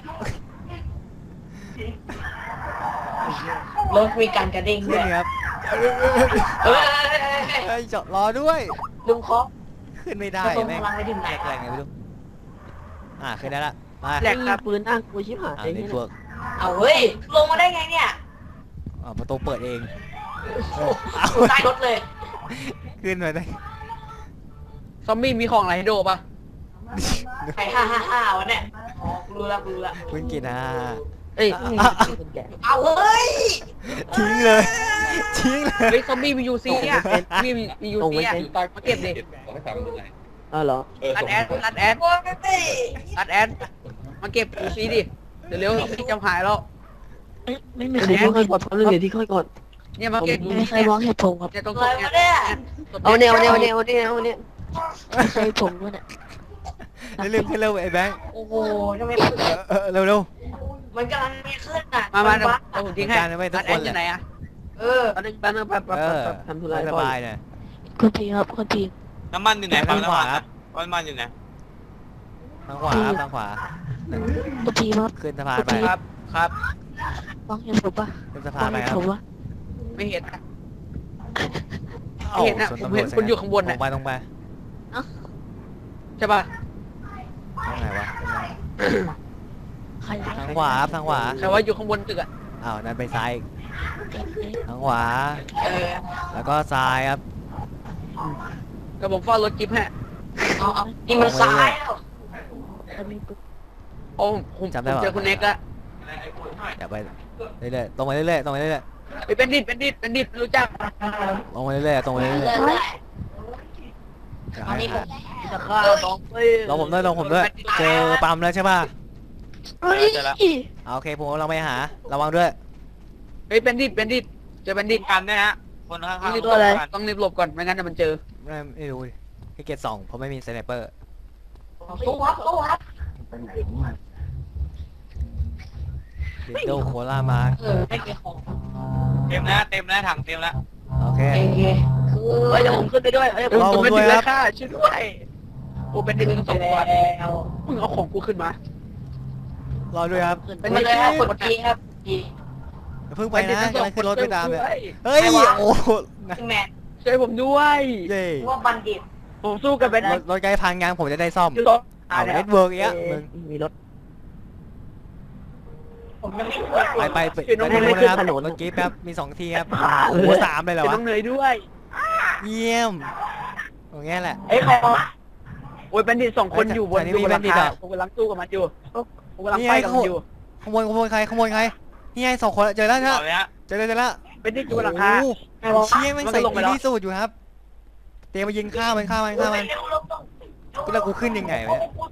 Speaker 1: รถมีการกระดิ่ง
Speaker 2: ขึ้
Speaker 1: ด้
Speaker 2: น
Speaker 1: วย
Speaker 2: ครับ
Speaker 1: เฮ้ย
Speaker 2: เฮ้ยจอดรอด้วย
Speaker 1: ลุงเคาะ
Speaker 2: ขึ้นไม่ได้
Speaker 1: กระทรวง
Speaker 2: แม่ง
Speaker 1: พลังไปถึงไหน
Speaker 2: แรงไงไม่รู้อ่าขึ้นได้ละไป
Speaker 3: แหลกครับ
Speaker 4: ปืนอ้างกูชิบหาย
Speaker 2: อ่า
Speaker 4: ไอ้
Speaker 2: ใน
Speaker 4: นี่
Speaker 2: ตัว
Speaker 1: เอาเฮ้ยลงมาได้ไงเนี่ย
Speaker 2: อ่าประตูเปิดเองเออ
Speaker 1: อยู่ใต้รถเลย
Speaker 2: ขึ้นมาได้
Speaker 3: ซอมบี้มีของอะไรให้โดปะ
Speaker 1: ไอ้ห้าห้าห้าวะเนี่ยอ๋อรู้ละรู้ละ
Speaker 2: คุณกินอ่ะ
Speaker 4: เอ้ย
Speaker 2: อ่ะ
Speaker 4: คนแก่
Speaker 1: เอาเฮ้ย
Speaker 2: ทิ้งเลยทิ้งเลย
Speaker 3: เฮ้ยซอมบี้มียูซีอ่ะมีมียูซีอ่ะตอนมาเก็บดิ
Speaker 4: อ้าวเหรอ
Speaker 3: รัดแอนรัดแอน
Speaker 1: โอ้ยไม่
Speaker 3: รัดแอนมาเก็บยูซีดิเดี๋ยวเร็วซอมบี้จะหายแล้ว
Speaker 5: เอ้ยไม่มี
Speaker 4: เดี๋ยว
Speaker 5: ใคร
Speaker 4: ที่
Speaker 5: มอง
Speaker 4: ค่อ
Speaker 5: เห็
Speaker 4: ย
Speaker 5: น
Speaker 4: กดเดี๋ยวที่ค่อยกด
Speaker 3: เนี่ยมาเก็บยู
Speaker 5: ไม่มี
Speaker 3: ซี
Speaker 5: ใครมองเห็นผมครับ
Speaker 3: เนี่ยตรง
Speaker 1: เล
Speaker 3: ศพ
Speaker 1: ย
Speaker 3: เนี่
Speaker 1: วะเนี่ย
Speaker 3: ย
Speaker 4: เอาเนี่ยเอาเนี่ยเอาเนี่ยเอาเนี่ยเอาเนี่ย
Speaker 5: ไม่ใช่ผมด้วยเนี่ย
Speaker 2: เร็วขึ้นเร็วไอ้แบงค์
Speaker 1: โอ้โหทำไม
Speaker 2: เออเออเร็วเร็ว
Speaker 1: มันกำลังมีขึ้นอ่ะ
Speaker 3: มามา
Speaker 1: น
Speaker 3: เดี๋ยว
Speaker 1: วัด
Speaker 3: เอาผมทิ้งให้
Speaker 2: การไว้ทุ
Speaker 3: รั
Speaker 2: ก
Speaker 3: ด
Speaker 2: ค
Speaker 3: แอน น
Speaker 2: แหละ
Speaker 3: อยู่ไหนอ่ะ
Speaker 1: เออ
Speaker 4: แป๊บนึงแป๊บนึงแป๊บแป๊บ
Speaker 2: เอ
Speaker 4: แป๊
Speaker 2: อบ
Speaker 4: ทำธุ
Speaker 2: ส
Speaker 4: ระก่อน
Speaker 2: บายหน่อย
Speaker 5: คุณทีครับคุณที
Speaker 6: น้ำมันอยู่ไหน
Speaker 2: ทาง
Speaker 6: ปั๊ม
Speaker 2: ขวา
Speaker 6: น้ำมัน
Speaker 2: ครั
Speaker 6: อะ
Speaker 2: บ
Speaker 6: ปั๊มน้ำมันอยู่ไหน
Speaker 2: ทางขวาครับทางขวา
Speaker 5: คุณทีครับ
Speaker 2: ขึ้นสะพานไป
Speaker 3: ครับครับ
Speaker 5: มองเห็นผมปะ
Speaker 2: ขึ้นสะ
Speaker 5: ม
Speaker 2: พา
Speaker 5: อน ง
Speaker 2: ไป
Speaker 5: เห็น
Speaker 2: ครับ
Speaker 5: ผมปะ
Speaker 3: ไม่เห็นนะ
Speaker 2: อ้า
Speaker 3: เห็นนะ
Speaker 2: ส่ว
Speaker 3: ผม
Speaker 2: ตำรวจ
Speaker 3: เห็นคุณอยู่ข้างบน
Speaker 2: ตร
Speaker 3: น่ะ
Speaker 2: งไปตรงไป
Speaker 3: ใช่ป่ะ
Speaker 2: ตรงไหนวะ
Speaker 5: ใคร
Speaker 2: ทางขวาครับทางขวา
Speaker 3: ใครว่าอยู่ข้างบนตึกอ่ะ
Speaker 2: อ้าวนั่นไปซ้ายอีกทางขวา
Speaker 1: เออ
Speaker 2: แล้วก็ซ้ายครับ
Speaker 3: ก็ผมเฝ้ารถจิ๊บให้
Speaker 1: เอาเอานี่มันซ้ายแล้ว
Speaker 5: จะมีปุ๊บ
Speaker 3: โอ้ผมผมเจอคุณเน็กละ
Speaker 2: อย่าไปเรื่อยๆตรงไปเรื่อยๆตรงไปเรื่อย
Speaker 3: ไปเป็นดิดเป็นดิดเป็นดิดรู้จัก
Speaker 2: ๆตรงไปเรื่อยๆตรงไปเรื่อย
Speaker 1: เรื่อย
Speaker 2: ๆอย่า
Speaker 1: ๆอัน
Speaker 2: ให้
Speaker 1: นี้ผม
Speaker 4: จะฆ่าสองปี
Speaker 2: ลองผมด้วยลองผมด้วย เจอปั๊มแล้วใช่ป่ะ
Speaker 5: เฮ้ย
Speaker 2: อ่าโอเคผมกำลังไปหา ระวังด้วย
Speaker 3: เฮ้ยเป็นดิดเป็นดิดเจอเป็นดิด
Speaker 6: กันเนี่ยฮะคนข้าง
Speaker 3: ต้อง
Speaker 6: ๆ
Speaker 3: รีบ
Speaker 6: ตั
Speaker 3: หล
Speaker 6: ว
Speaker 3: บ
Speaker 6: อะไร
Speaker 3: ต้องรีบหลบก่อนไม่งั้นเดี๋ยวมันเจอ
Speaker 2: ไม่ไม่รู้ดิให้เกียรติสองเพราะไม่มีสไนเปอร์
Speaker 1: ตู้ครับตู้ครับ
Speaker 2: ดิโดโคลามาร์
Speaker 1: เออไม่เกี่ยวของ
Speaker 6: เต็มแล้วเต็มแล้วถังเต็มแล้ว
Speaker 2: โอเค
Speaker 1: โอเคคือ
Speaker 4: เฮ้ยเดี๋ยวผมขึ้นไปด้วยเฮ้ย
Speaker 3: เออ
Speaker 2: รอ
Speaker 3: ผ
Speaker 2: ผม ม
Speaker 3: เป็น
Speaker 2: ด้
Speaker 3: ดิ
Speaker 2: วย
Speaker 3: ด
Speaker 2: ค
Speaker 3: แล้
Speaker 2: รับ
Speaker 3: วค่ะช่วยด้วยโอ้เป็นดิดทั้งสองวัน
Speaker 1: แล้ว
Speaker 3: มึงเอาของกูขึ้นมาร
Speaker 2: อด้วยครับ
Speaker 1: เป็นไปเลยครับกดทีครับที
Speaker 2: อย่าเพิ่งไปนะกำลังขึ้นรถไปตามเลย
Speaker 3: ช่วย
Speaker 2: เฮ้ยโอ้โหนะ
Speaker 1: ซึ่งแมน
Speaker 3: ช่วยผมด้วย
Speaker 2: เย้
Speaker 1: ว่าบัณฑิต
Speaker 3: ผมสู้กับเป็น
Speaker 2: รถรถไกด์พังยังผมจะได้ซ่อม
Speaker 3: อยู่ตรง
Speaker 2: เอาเน็ตเวิร์กเงี้ยมึง
Speaker 4: มีรถ
Speaker 1: ผมยังไม่เคย
Speaker 2: ไปไปไป
Speaker 3: ช่วยน้อง
Speaker 2: ไป
Speaker 3: เน
Speaker 2: ดู
Speaker 3: ย
Speaker 2: นะครับ
Speaker 4: ถนน
Speaker 2: รถกิ๊บครับมีสองทีครับ
Speaker 4: ผ่า
Speaker 2: โอ้
Speaker 4: เล
Speaker 2: โห
Speaker 4: ย
Speaker 2: สามเลยเหรอ
Speaker 3: ช่วย
Speaker 2: วะ
Speaker 3: น้องเนยด้วย
Speaker 2: เยี่ยมอย่างเงี้ยแหละ
Speaker 1: เอ้ยใครวะ
Speaker 3: โอ้ยเป็นดิดสองคนอยู่บน
Speaker 2: อันนี้
Speaker 3: อยู่บนหลัง
Speaker 2: มี
Speaker 3: คา
Speaker 2: Bandit เหรอ
Speaker 3: ผมกำลังสู้กับมันอยู่ผมกำลัง
Speaker 2: นี่
Speaker 3: ไฟ
Speaker 2: ไง
Speaker 3: กับ
Speaker 2: เขา
Speaker 3: มันอยู่
Speaker 2: ขโมยขโมยใครขโมยใครนี่ไงสองคนเจอแล้ว
Speaker 6: ต่
Speaker 2: ใช่
Speaker 6: อเลยฮะ
Speaker 2: เจอแล้วเจอแล้ว
Speaker 3: เป็นดิดอยู่บนหลังคา
Speaker 2: โอ้โห
Speaker 1: ใครวะ
Speaker 2: เชี่ยแม่ง
Speaker 3: มันก็
Speaker 2: ใส่
Speaker 3: ลงไปแล้ว
Speaker 2: ที่สูตรอยู่ครับ เตรียมมายิงข้าวมันข้าวมันข้าวมัน
Speaker 1: เร็วๆต้อง
Speaker 2: แล้วกูขึ้นยังไงวะเนี่ย
Speaker 1: กูจะไม่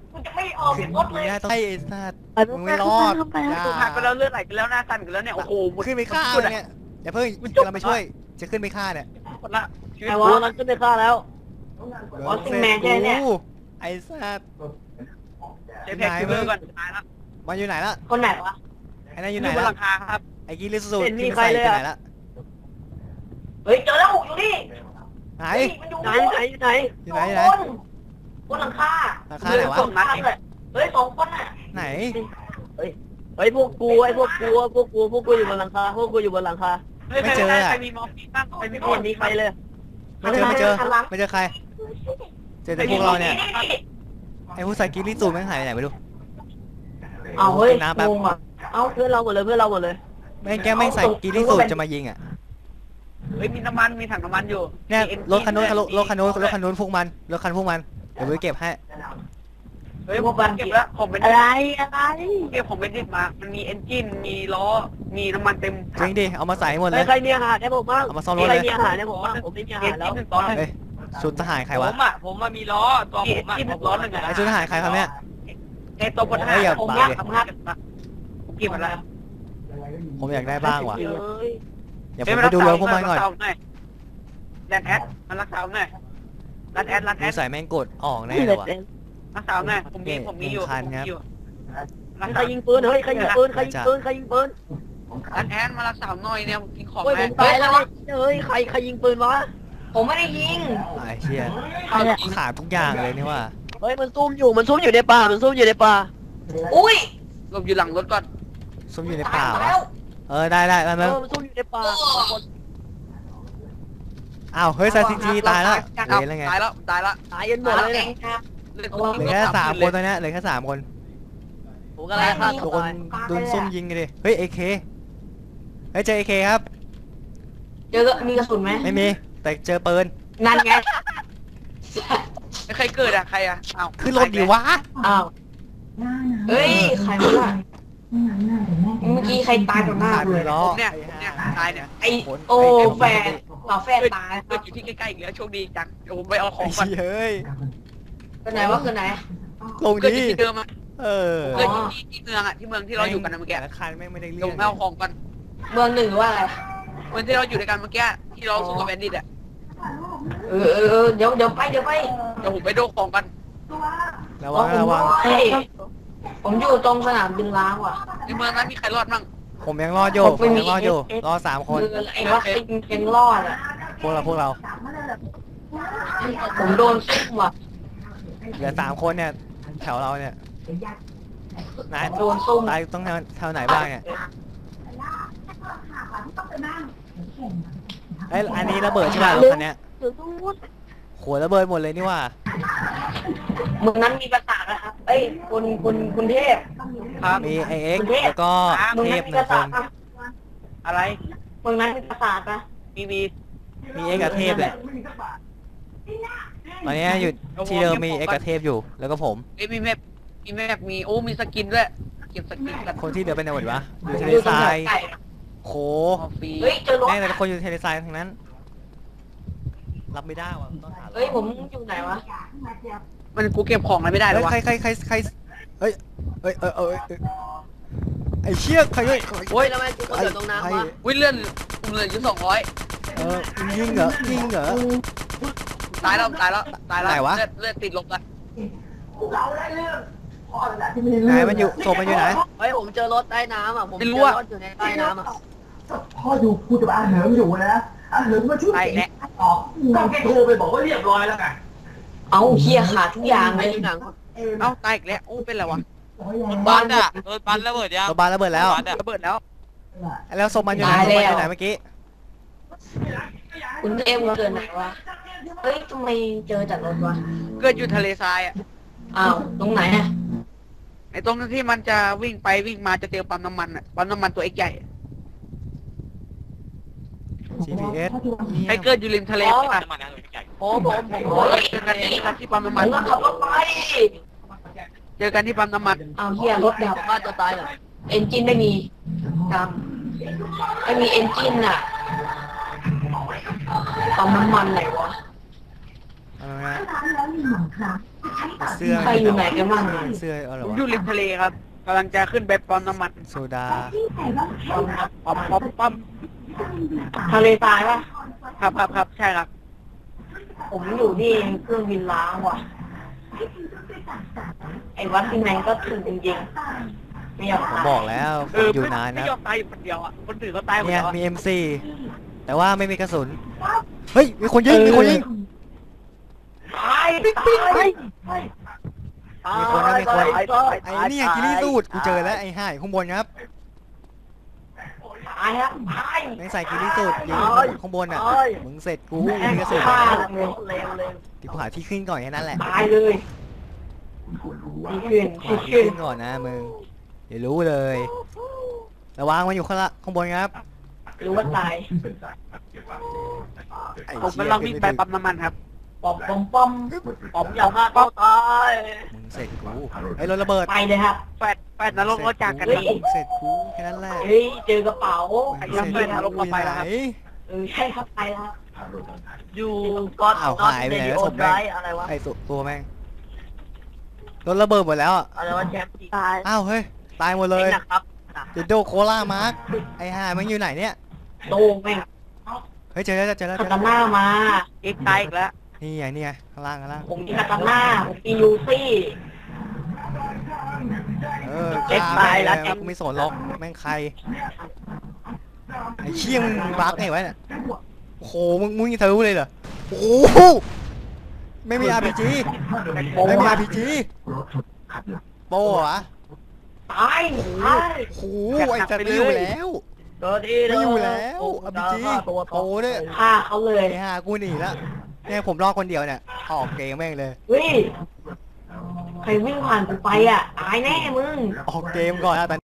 Speaker 1: ออก
Speaker 2: ขึ้น
Speaker 1: รถเลย
Speaker 2: ไม่ได้ต้องไอ้ไอ้สัตว์
Speaker 5: ไป
Speaker 2: มึงไม่รอด
Speaker 5: เข้าไป
Speaker 2: อย่า
Speaker 3: ตูหักไปแล้วเลือดไหลกันแล้วหน้าสั่นกันแล้วเนี่ยโอ้โห
Speaker 2: ขึ้นไปฆ่า
Speaker 3: จุด
Speaker 2: มัน
Speaker 3: อะ
Speaker 2: เนี่ยอย่าเพิ่งเราไปช่วยจะขึ้นไปฆ่าเนี่ย
Speaker 3: หมดละชีวิต
Speaker 4: ไอ้วะนั้นขึ้นไปฆ่าแล้ว
Speaker 1: อ๋อซิงแมนใช่ไหมเนี่ย
Speaker 2: กูไอ้สัตว์
Speaker 3: เจ๊แพ็กคิวเบอร์ก่อนตายแล้ว
Speaker 2: มันอยู่ไหนละ
Speaker 1: คนไหนวะ
Speaker 2: ไอ้นั่นอยู่ไหน
Speaker 3: บน
Speaker 2: ละ
Speaker 3: หลังคาครับ
Speaker 2: ไอ้กิลิสู
Speaker 4: เห็นมี
Speaker 2: ที่มัน
Speaker 4: ใคร
Speaker 2: ใส่
Speaker 4: เลย
Speaker 2: ไป
Speaker 4: อะ
Speaker 2: ไหนละ
Speaker 1: เฮ้ยเจอแล้วอยู่นี่
Speaker 2: ไหน
Speaker 1: เฮ้ยมันอยู่
Speaker 4: ไหนไหนไหน
Speaker 2: อยู่ไหนอยู่ไหน
Speaker 1: บนหลังคา
Speaker 2: หลังคาไหนวะ
Speaker 1: สองนัดเลยเฮ้ยสองคนน่ะ
Speaker 2: ไหน
Speaker 4: เฮ้ยพวกกูไอ้พวกกูพวกกูพวกกูอยู่บนหลังคาพวกกูอยู่บนหลังคา
Speaker 3: เฮ้ย
Speaker 2: ไม่เจอ
Speaker 3: ใคร
Speaker 2: อะ
Speaker 3: ใครมีมอร์ฟีนบ้างใครมี
Speaker 4: ไม่เห็นมีใครเลย
Speaker 2: ไม่เจอไม่เจอไม่เจอใคร เจอแต่พวกเราเนี่ย ไอ้ผู้ใส่กิลิสูแม่งหายไปไหนไม่รู้
Speaker 1: เอาเฮ้ย
Speaker 2: กินน้ำแป๊บ
Speaker 1: งงอ่ะ
Speaker 4: เอ้าเพื่อนเราหมดเลยเพื่อนเราหมดเลย
Speaker 2: แม่งแกแม่งใส่กิลิสูจะมายิงอ่ะ
Speaker 3: เฮ้ยมีน้ำมันมีถังน้ำมันอยู่
Speaker 2: เนี่ย
Speaker 3: มี
Speaker 2: รถคันนู้น
Speaker 3: เอ็
Speaker 2: รถคันนู้นรถคันนู้นพวกมันรถคันพวกมันเดี๋ยวไปเก็บให้
Speaker 3: เฮ้ยผมเก็บแล้วผมเป็น
Speaker 1: อะไรอะไร
Speaker 3: เก็บผมเป็นดิบมา มันมีเอนจินมีล้อมีน้ำมันเต็ม
Speaker 2: จริงดิเอามาใส่ให้หมดเล
Speaker 4: เฮ้ย
Speaker 2: ย
Speaker 4: ใครมีอาหารให้ผมบ้าง
Speaker 2: เอามาซ่อมรถ
Speaker 4: ใคร
Speaker 2: เลย
Speaker 4: มีอาหารให้ผมบ้างผมไม่มีอา
Speaker 3: เอ
Speaker 4: หาร
Speaker 3: น
Speaker 4: แล้
Speaker 3: จิ
Speaker 4: วน
Speaker 3: หนึ่งตอนหนึ่ง
Speaker 2: เฮ้ยชุดทหารใคร
Speaker 6: ผ
Speaker 2: วะ
Speaker 6: มอ่ะผมมามีล้อตัวผมอ่ะ
Speaker 3: ที่หนึ่งร้อนหนึ่งอะ
Speaker 2: ไอ้ชุดทหารใครครับเนี่ย
Speaker 3: ในตัวพลทหาร
Speaker 2: เฮ้ยอย่า
Speaker 3: ผม
Speaker 2: ปา
Speaker 3: รั
Speaker 2: ดิ
Speaker 3: กทำงานผมเก็บมาแล้ว
Speaker 2: ผมอยากได้บ้างว่ะ
Speaker 4: เฮ้ย
Speaker 2: เดี๋ยวผมไปดูรถพวกมันก่อน
Speaker 3: แลนแอดมันรักษาหน่อยรันแอดรันแอ
Speaker 2: ดู
Speaker 3: ด
Speaker 2: ใส่แม่งกดออกแน่เลยว่ะ
Speaker 3: รักษาหน่อยผมมีผมมีอยู่
Speaker 2: หนึ่งคันครับ
Speaker 3: รัก
Speaker 4: ใคร
Speaker 3: ษา
Speaker 4: ยิงปืนเฮ้ยใครยิงปืนใครยิงปืนใครยิงปืน
Speaker 3: รันแอดมารักษาหน่อยเนี่ยผมกินของ
Speaker 4: โอ้ยผ
Speaker 3: แม่
Speaker 4: มตายแล้วเฮ้ยใครใครยิงปืนวะ
Speaker 1: ผมไม่ได้ยิง
Speaker 2: ไอ้เชี่ยขาดทุกอย่างเลยนี่ว่า
Speaker 4: เฮ้ยมันซุ่มอยู่มันซุ่มอยู่ในป่ามันซุ่มอยู่ในป่า
Speaker 1: อุ้ย
Speaker 3: หลบอยู่หลังรถก่อน
Speaker 2: ซุ่มอยู่ใน
Speaker 1: ตา
Speaker 2: ป่าย
Speaker 1: หมด
Speaker 2: วะ
Speaker 1: แล้ว
Speaker 2: เออได้ได้
Speaker 4: เอ
Speaker 2: มา
Speaker 4: อ
Speaker 2: มา
Speaker 4: มันซุ่มอยู่ในป่า
Speaker 2: อ้าวเฮ้ยซาซิจีตายแล้ว
Speaker 3: เอา
Speaker 2: เหลือแล้วไง
Speaker 3: ตายแล้วตายแล้ว
Speaker 4: ตายกันหมดเลย
Speaker 1: เอ
Speaker 4: เนี่ย
Speaker 1: งครับ
Speaker 3: เหลือ
Speaker 2: เหลือแค่สามคนตอนเนี้ยเหลือแค่สามคน
Speaker 4: ผมกำลังฆ่า
Speaker 2: โด
Speaker 4: ตัวน ตาย
Speaker 2: โดนซุ่มยิงกันดิเฮ้ยเอเคเฮ้ยเจอเอเคครับ
Speaker 1: เจอมีกระสุนไหม
Speaker 2: ไม่มีแต่เจอปืน
Speaker 1: นั่นไง
Speaker 3: ใครเกิดอะใครอะอ้าว
Speaker 2: ขึ้นรถดิวะ
Speaker 1: อ้าวเฮ้ยใครวะล่ะเมื่อกี้ใครตายต่อหน้า
Speaker 2: ขาด
Speaker 1: เล
Speaker 2: มื
Speaker 1: ย
Speaker 2: อล้อ
Speaker 3: ผมเนี่ยผมเนี่ยตายเนี่ย
Speaker 1: ไอโอแฟนฝาแฟน
Speaker 3: เกิด
Speaker 1: ตายค
Speaker 3: เกิ
Speaker 1: รั
Speaker 3: ด
Speaker 1: บ
Speaker 3: อยู่ที่ใกล้ๆอีกแล้วโชคดีจังเดี๋ยวผมไปเอาขอ
Speaker 2: ไอ้
Speaker 3: งก่อน
Speaker 2: เชี่ยเฮ้ย
Speaker 1: คือไหนวะคือไหน
Speaker 2: ลง
Speaker 3: เกิดอ
Speaker 2: ดิ
Speaker 3: ยู่ที่เดิมอะ
Speaker 2: เออ
Speaker 3: เกิดอยู่ที่ที่เมืองอะที่เมืองที่เราอยู่กันนะเมื่อกี้
Speaker 2: แต่ละคันแม่งไม่ได้เรื่
Speaker 3: เดี๋ยว
Speaker 2: อ
Speaker 3: ผ
Speaker 2: ง
Speaker 3: มไปเอาของก่อน
Speaker 1: เมืองหนึ่งหรือว่าอะไร
Speaker 3: เมืองที่เราอยู่ด้วยกันเมื่อกี้ที่เราสู้กับแบนดิตอะ
Speaker 1: เออเออเออเดี๋ยวเดี๋ยวไปเดี๋ยวไป
Speaker 3: เดี๋ยวผมไปดูของกัน
Speaker 2: ระวังระวัง
Speaker 1: เฮ้ยผมอยู่ตรงสนามบินล้างว่ะ
Speaker 3: ในเมืองนั้นมีใครรอดมั่ง
Speaker 2: ผมยังรอดอยู่ผมยังรอดอยู่รอสามคน
Speaker 1: คือไอ้วัคซีนยังรอดอ่ะ
Speaker 2: พวกเราพวกเรา
Speaker 1: ผมโดนซุ่มว่ะ
Speaker 2: เหลือสามคนเนี่ยแถวเราเนี่ยนาย
Speaker 1: โดนซุ่ม
Speaker 2: ตายต้องแถวแถวไหนบ้างเนี่ยไอ้ยอันนี้ระเบิดใช่ป่ะรถคันเนี้ย
Speaker 4: เดี๋ยวต้องวุด
Speaker 2: โหระเบิดหมดเลยนี่ว่า
Speaker 1: เมืองนั้นมีประสาทนะครับเอ้ยคุณคุณคุณเทพ
Speaker 3: ครับ
Speaker 2: มีไอเอ็กซ์แล้วก็
Speaker 1: เมือง
Speaker 2: เท
Speaker 1: นั้
Speaker 2: พ
Speaker 1: นมี
Speaker 2: หนึ่
Speaker 1: ป
Speaker 2: ง
Speaker 1: ระ
Speaker 2: ค
Speaker 1: สาน ทปะ
Speaker 3: อะไร
Speaker 1: เมืองนั้นมีประสาทปะ
Speaker 3: มีมี
Speaker 2: มีเอ็กซ์กับเทพเลยตอนนี้อยู่ที่เดิมมีเอ็กซ์กับเทพอยู่ แล้วก็ผม
Speaker 3: เอ้ยมีแมปมีแมปมีโอ้มีสกินด้วยเก็บสกินกัน
Speaker 2: คนที่เหลือเป็นไหนหมดวะอยู่ทะเล
Speaker 1: อยู่ต
Speaker 2: ท
Speaker 1: รง
Speaker 2: รา
Speaker 1: แถวย ไก่
Speaker 2: โห
Speaker 3: คอฟฟี่
Speaker 1: เฮ้ยเจอรถ
Speaker 2: แม่งแต่ละคนอยู่ทะเลทรายทั้งนั้น รับไม่ได้ว่ะต้องหา
Speaker 1: เฮ้ยผมอยู่ไหนวะ
Speaker 3: มันกูเก็บของอะไรไม่ได้เล
Speaker 2: เฮ้
Speaker 3: ย
Speaker 2: ยว
Speaker 3: ะ
Speaker 2: ใครใครใครใครเฮ้ยเฮ้ยเออเออเออไอ้เชี่ยใครเฮ้ย
Speaker 4: โอ้ยแล้วมันกูก็เดือดตรงน้ำวะ
Speaker 3: วิ่งเลื่อนผมเหลืออยู่สองร้อย
Speaker 2: เออยิงเหรอยิงเหรอ
Speaker 3: ตายแล้วตายแล้วตายแล้ว
Speaker 2: ไหนวะ
Speaker 3: เลือดเลือดติดลบกัน
Speaker 2: ไหนมันอยู่ศพมันอยู่ไหน
Speaker 4: เฮ้ยผมเจอรถใต้น้ำอ่ะผมเจอรถอยู่ในใต้น้ำอ่ะ
Speaker 7: พ่ออยู่พูดกับอาเหิมอยู่นะอาเหิมมาช่วย
Speaker 3: ตายแล้ว
Speaker 7: ออกก็แกโทรไปบอกว่าเรียบร้อยแล้วไง
Speaker 1: เอาเฮียขาดทุกอย่างเลย
Speaker 4: ในหนัง
Speaker 3: เอ้าตายอีกแล้วโอ้เป็นไรวะ
Speaker 6: บ้านอ่ะรถบัสระเบิดยัง
Speaker 2: รถบ้านระเบิดแล้ว
Speaker 6: บัสอะ
Speaker 3: ระเบิดแล้ว
Speaker 2: แล้วศพมันอยู่ไหนศพมันอยู่ไหนเมื่อกี้
Speaker 1: คุณเทพเกิดไหนวะเฮ้ยทำไมเจอจากรถวะ
Speaker 3: เกิดอยู่ทะเลทรายอ่ะ
Speaker 1: อ้าวตรงไหนอะ
Speaker 3: ไอ้ตรงที่มันจะวิ่งไปวิ่งมาจะเจอปั๊มน้ำมันอ่ะปั๊มน้ำมันตัวเอ็กใหญ่
Speaker 2: จี พี เอส
Speaker 3: ใครเกิดอยู่ริมทะเลป่ะ
Speaker 6: น้ำมันนะใหญ่
Speaker 4: ผมผมผม
Speaker 3: โอ้ยเจอกันที่ที่ปั๊มน้ำ
Speaker 1: มั
Speaker 3: มัน น
Speaker 1: ก็ขับรถไป
Speaker 3: เจอกันที่ปั๊มน้ำมัน
Speaker 1: อ้าวเฮียรถดับ
Speaker 4: บ้านจะตายเหรอ
Speaker 1: เอนจินไม่มีดำไม่มีเอนจินอะปั๊มน้ำมันไหนวะ
Speaker 2: เอาละเสื้อ
Speaker 1: ใครอยู่ไหนกันบ้าง
Speaker 2: เสื้ออะไร
Speaker 3: ผม
Speaker 2: วะ
Speaker 3: อยู่ริมทะเลครับกำลังจะขึ้นไปปั๊มน้ำมัน
Speaker 2: โซดา
Speaker 3: ปั๊มปั๊มปั๊ม
Speaker 1: ทะเลทรายปะ
Speaker 3: ครับครับครับใช่ครับ
Speaker 1: ผมอยู่ที่เครื่องบินล้างว่ะ ไอ้วัดที่แมงก็ถึงจริงๆไม่ยอม
Speaker 2: ผม
Speaker 1: ตาย
Speaker 2: บอกแล้วผ
Speaker 3: เอ
Speaker 2: ม
Speaker 3: อ
Speaker 2: อยู่นาน
Speaker 3: ไม่
Speaker 2: นะ
Speaker 3: ยอมตายอยู่คนเดียวอ่ะคนอื่นก็ตายหมด
Speaker 2: เนี่ย
Speaker 3: แล้วอะ
Speaker 2: มี เอ็ม โฟร์ แต่ว่าไม่มีกระสุนเฮ้ยมีคนยิงมีคนยิง
Speaker 1: ตายตาย
Speaker 2: มีคนนะมีคน
Speaker 4: ตายตาย
Speaker 2: ไอ้เนี่ยกิริสูตรกูเจอแล้วไอ้ห่ายข้างบนครับ
Speaker 1: ตายครับตาย
Speaker 2: แม่งใส่กิริสูตรยิงข้างบนอ่ะมึงเสร็จกู
Speaker 1: แม่ง
Speaker 2: มีกระสุน
Speaker 1: ฆ่า
Speaker 2: แล้ว
Speaker 1: เลย
Speaker 4: เร็วเร็ว
Speaker 2: ที่กูหาที่ขึ้นก่อนแค่นั้นแหละ
Speaker 1: ตายเลยดีขึ้น
Speaker 2: หา
Speaker 1: ดี
Speaker 2: ที่
Speaker 1: ขึ้น
Speaker 2: ขึ้นก่อนนะมึงเดี๋ยวรู้เลยระวังมันอยู่ข้างละข้างบนครับ
Speaker 1: รู้ว่าตาย
Speaker 2: ไอ้
Speaker 3: ผม
Speaker 2: เชี่ย
Speaker 3: กำลังวิ่งไป
Speaker 2: ขึ้น
Speaker 3: ปั๊มน้ำมันครับ
Speaker 1: ปอมปอมปอม
Speaker 4: ผมอยากฆ่าเขาตาย
Speaker 2: มึงเสร็จกูไอ้รถระเบิด
Speaker 1: ไปเลยครับ
Speaker 3: แฟดแฟดนรกรถจากกัน
Speaker 2: เส
Speaker 3: ค
Speaker 2: ร็
Speaker 3: รับ
Speaker 2: จกูเสร็จกูแค่นั้นแหละ
Speaker 1: เฮ้ยเจอกระเป๋า
Speaker 2: มึงเสร็จ
Speaker 3: ไปนรก
Speaker 2: กู
Speaker 3: มาไปแล้วครับ
Speaker 2: ไหน
Speaker 1: เออใช่ครับไปแล้ว
Speaker 4: อยู่ก็อด
Speaker 2: อ้าว
Speaker 4: ก็อด
Speaker 2: หายไป
Speaker 4: เร
Speaker 2: ไหน
Speaker 4: ดิ
Speaker 2: แล้ว
Speaker 4: โอ
Speaker 2: ศพ
Speaker 4: ได
Speaker 2: แม่ง
Speaker 4: อะไรวะ
Speaker 2: ไอ้ตัวตัวแม่งรถระเบิดหมดแล้วอ่ะ
Speaker 4: อะไรวะแชมป์
Speaker 5: ตาย
Speaker 2: อ้าวเฮ้ยตายหมดเลย
Speaker 4: หนักครับหนัก
Speaker 2: เดโดโคล่ามาร์กไอ้ห่ามันอยู่ไหนเนี่ย
Speaker 1: โตแม่ง
Speaker 2: เฮ้ยเจอแล้วเจอแล้ว
Speaker 1: คา
Speaker 2: เจอ
Speaker 1: ตา
Speaker 2: แล้ว
Speaker 1: น่ามา
Speaker 3: เอ็กซ์ตายอีกแล้ว
Speaker 2: นี่ไงนี่ไงข้างล่างข้างล่าง
Speaker 1: ผมมีคาตาน่าผมมียูซี่
Speaker 2: เออฆ่าแม่งเลยกูไม่สนหรอกแม่งใครไอ้เชี่ยมึงบักไงวะเนี่ยโอ้โหมึงมึงยิงทะลุเลยเหรอโอ้โหไม่มี อาร์ พี จี ไม่มี อาร์ พี จี โป้เหรอ
Speaker 1: ตายตาย
Speaker 2: โอ้โหไอ้สัตว์ไม่อยู่แล้ว
Speaker 4: ตัวที่
Speaker 2: ไม่อยู่แล้ว อาร์ พี จี
Speaker 4: ตัว
Speaker 2: โป้เนี่ย
Speaker 1: ฆ่าเขาเลย
Speaker 2: ไอ้ห่ากูหนีแล้วเนี่ยผมรอดคนเดียวเนี่ยออกเกมแม่งเลย
Speaker 1: เฮ้ยใครวิ่งผ่านกูไปอ่ะตายแน่มึง
Speaker 2: ออกเกมก่อนนะตอน